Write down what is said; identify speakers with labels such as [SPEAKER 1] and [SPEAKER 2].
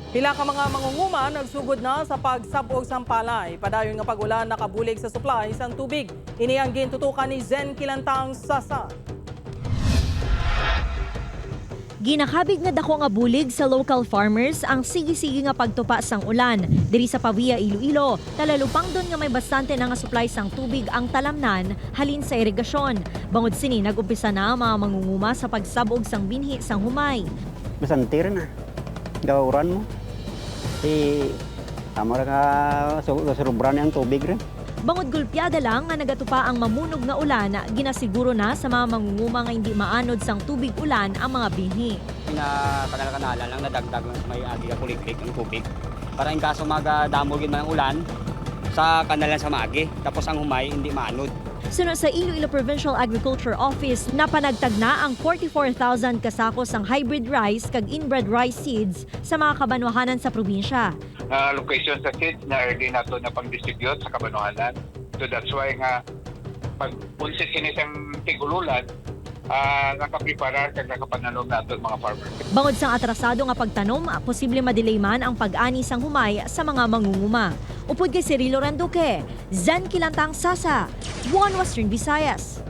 [SPEAKER 1] Pila ka mga mangunguma nagsugod na sa pagsabog sang palay. Padayon nga pag-ulan nakabulig sa supply sang tubig. Ini ang gintutukan ni Zen Kilantang Sasa.
[SPEAKER 2] Ginakabig nga dako nga bulig sa local farmers ang sige-sige nga pagtupa sang ulan. Diri sa Pavia, Iloilo, talalupang doon nga may bastante na nga supply sang tubig ang talamnan halin sa irigasyon. Bangod sini, nag-umpisa na ang mga mangunguma sa pagsabog sang binhi sang humay.
[SPEAKER 3] Masantir na. Gawuran mo. Tama ka surubran ang tubig rin.
[SPEAKER 2] Bangod gulpyada lang nga nagatupa ang mamunog nga ulan, ginasiguro na sa mga mangunguma nga hindi maanod sang tubig ulan ang mga binhi.
[SPEAKER 4] Kanala lang nadagdag may agi ka kuliklik ang tubig. Para in kaso magadamogin man ang ulan sa kanalan sa maagi, tapos ang humay hindi maanod.
[SPEAKER 2] Sunod sa Iloilo Provincial Agriculture Office, napanagtag na ang 44,000 kasakos ang hybrid rice kag inbred rice seeds sa mga kabanwahanan sa probinsya.
[SPEAKER 5] Location sa seeds na early na ito na pang-distribute sa Kabanohanan. So that's why nga pag punsit kinisang tigululan, nakapreparar kag nakapananom na ito mga farmers.
[SPEAKER 2] Bangod sang atrasado nga pagtanom, posible madelay man ang pag-ani sang humay sa mga mangunguma. Upod kay Cirilo Randuque, Zen Kilantang Sasa, One Western Visayas.